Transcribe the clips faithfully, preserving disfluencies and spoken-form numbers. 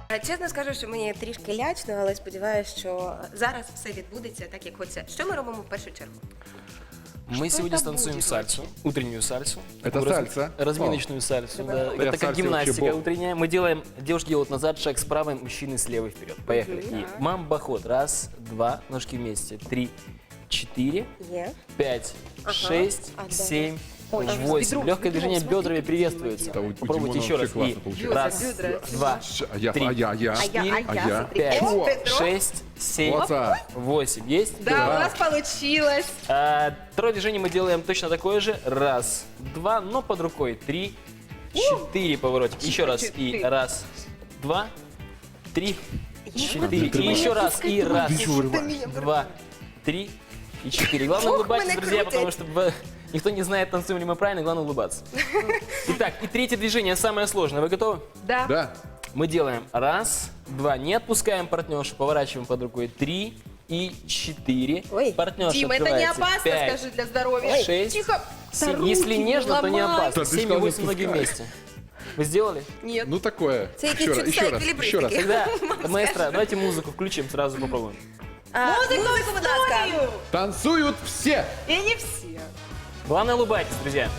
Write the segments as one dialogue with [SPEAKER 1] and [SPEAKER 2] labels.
[SPEAKER 1] Чесно скажу, що мені трішки лячно, але сподіваюся, що зараз все відбудеться так, як хочеться. Що ми робимо в першу чергу?
[SPEAKER 2] Мы
[SPEAKER 1] Что
[SPEAKER 2] сегодня
[SPEAKER 1] это
[SPEAKER 2] станцуем
[SPEAKER 1] будет
[SPEAKER 2] сальсу, утреннюю сальсу.
[SPEAKER 3] Это
[SPEAKER 2] Такую раз-
[SPEAKER 3] сальса?
[SPEAKER 2] Разминочную сальсу, да.
[SPEAKER 3] Я
[SPEAKER 2] Это
[SPEAKER 3] в
[SPEAKER 2] как
[SPEAKER 3] сальсе
[SPEAKER 2] гимнастика
[SPEAKER 3] вообще бог.
[SPEAKER 2] утренняя. Мы делаем, девушки делают назад, шаг справа, мужчины слева и вперед. Поехали. И мамбоход. Раз, два, ножки вместе. Три, четыре,
[SPEAKER 1] Є.
[SPEAKER 2] пять,
[SPEAKER 1] Ага.
[SPEAKER 2] шесть,
[SPEAKER 1] А, да.
[SPEAKER 2] семь,
[SPEAKER 1] Ой,
[SPEAKER 2] восемь.
[SPEAKER 1] бедром,
[SPEAKER 2] Легкое
[SPEAKER 1] бедром,
[SPEAKER 2] движение
[SPEAKER 1] смотри,
[SPEAKER 2] бедрами
[SPEAKER 1] какие
[SPEAKER 2] приветствуется.
[SPEAKER 3] Да, у- у
[SPEAKER 2] Попробуйте
[SPEAKER 3] Димона
[SPEAKER 2] еще раз.
[SPEAKER 3] вообще
[SPEAKER 2] И
[SPEAKER 3] классно получается.
[SPEAKER 2] раз,
[SPEAKER 1] Бедра.
[SPEAKER 2] два,
[SPEAKER 3] А я,
[SPEAKER 2] три,
[SPEAKER 3] а я, а я.
[SPEAKER 1] А я, а
[SPEAKER 3] А
[SPEAKER 1] я,
[SPEAKER 3] я?
[SPEAKER 1] смотри.
[SPEAKER 2] пять,
[SPEAKER 1] О, бедро.
[SPEAKER 2] шесть, семь,
[SPEAKER 3] Молодца.
[SPEAKER 2] восемь. Есть?
[SPEAKER 1] Да, у нас получилось.
[SPEAKER 2] А, второе движение мы делаем точно такое же. Раз, два, но под рукой. Три, четыре поворотик. Еще раз. И
[SPEAKER 1] Четыре.
[SPEAKER 2] раз, два, три, четыре. И
[SPEAKER 3] Ты
[SPEAKER 2] еще раз. И раз,
[SPEAKER 3] Ты чего вырываешь?
[SPEAKER 2] два, три и четыре. Главное
[SPEAKER 1] Ох,
[SPEAKER 2] улыбаться,
[SPEAKER 1] меня
[SPEAKER 2] друзья,
[SPEAKER 1] крутит.
[SPEAKER 2] потому что в- никто не знает, танцуем ли мы правильно, главное улыбаться. Итак, и третье движение самое сложное. Вы готовы?
[SPEAKER 1] Да.
[SPEAKER 3] Да.
[SPEAKER 2] Мы делаем раз, два, не отпускаем партнершу, поворачиваем под рукой три и четыре.
[SPEAKER 1] Ой,
[SPEAKER 2] Партнерша
[SPEAKER 1] Дима, это не
[SPEAKER 2] открывается.
[SPEAKER 1] опасно,
[SPEAKER 2] Пять,
[SPEAKER 1] скажи, для здоровья.
[SPEAKER 2] Ой. шесть,
[SPEAKER 1] Тихо.
[SPEAKER 2] семь.
[SPEAKER 1] Да
[SPEAKER 2] Если
[SPEAKER 1] руки
[SPEAKER 2] нежно, то не
[SPEAKER 1] ломай.
[SPEAKER 2] опасно.
[SPEAKER 3] Да ты
[SPEAKER 2] семь и
[SPEAKER 3] сказал, не
[SPEAKER 2] восемь ноги
[SPEAKER 3] отпускай.
[SPEAKER 2] вместе. Вы сделали?
[SPEAKER 1] Нет.
[SPEAKER 3] Ну такое.
[SPEAKER 1] Це якісь
[SPEAKER 3] Еще раз,
[SPEAKER 1] чудеса
[SPEAKER 3] еще раз,
[SPEAKER 1] еквілібристики.
[SPEAKER 3] еще раз.
[SPEAKER 2] Тогда, маэстро, давайте музыку включим, сразу попробуем.
[SPEAKER 1] А, музику, будь ласка.
[SPEAKER 3] Танцуют все.
[SPEAKER 1] І не всі.
[SPEAKER 2] Главное, улыбайтесь, друзья.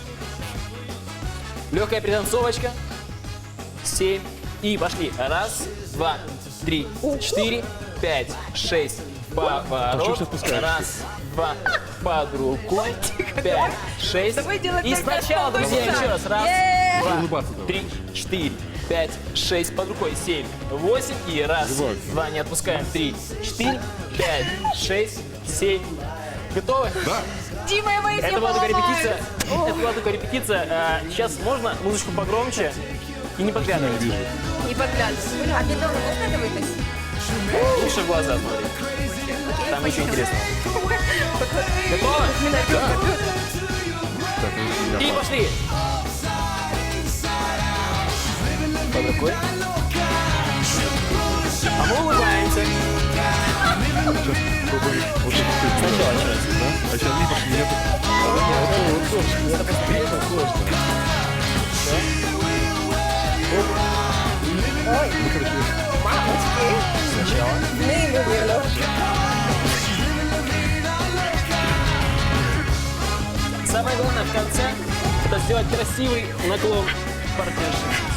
[SPEAKER 2] Легкая пританцовочка. Семь. И пошли. Раз, два, три, четыре, пять, шесть. Поворот. Раз, два, под рукой. Пять, шесть.
[SPEAKER 1] Давай делать
[SPEAKER 2] И
[SPEAKER 1] так,
[SPEAKER 2] сначала,
[SPEAKER 1] как
[SPEAKER 2] друзья,
[SPEAKER 1] полчаса.
[SPEAKER 2] еще раз. Раз,
[SPEAKER 1] Е-е-е.
[SPEAKER 2] два,
[SPEAKER 3] Улыбаться давай.
[SPEAKER 2] три, четыре, пять, шесть. Под рукой. Семь, восемь. И раз,
[SPEAKER 3] Любовь.
[SPEAKER 2] два, не отпускаем. Три, четыре, пять, шесть, семь. Готовы?
[SPEAKER 3] Да.
[SPEAKER 1] Дима, я боюсь,
[SPEAKER 2] Это
[SPEAKER 1] я
[SPEAKER 2] была только
[SPEAKER 1] поломаю.
[SPEAKER 2] репетиция. Это была только репетиция. А, сейчас можно музычку погромче и не подглядывать.
[SPEAKER 3] Вижу.
[SPEAKER 1] Не поглядывай. А бедро можно дивитись?
[SPEAKER 2] Лучше в глаза смотреть. Там еще интересно. Готовы?
[SPEAKER 3] Так, ну,
[SPEAKER 2] И
[SPEAKER 3] я
[SPEAKER 2] пошли. Под рукой. А мы улыбаемся.
[SPEAKER 3] сейчас пробую. Вот это ты.
[SPEAKER 2] Сначала еще раз.
[SPEAKER 3] А сейчас видишь, меня тут...
[SPEAKER 2] Это просто сложно.
[SPEAKER 1] Мамочки.
[SPEAKER 2] Сначала.
[SPEAKER 1] Неймовірно.
[SPEAKER 2] Самое главное в конце — это сделать красивый наклон партнерши.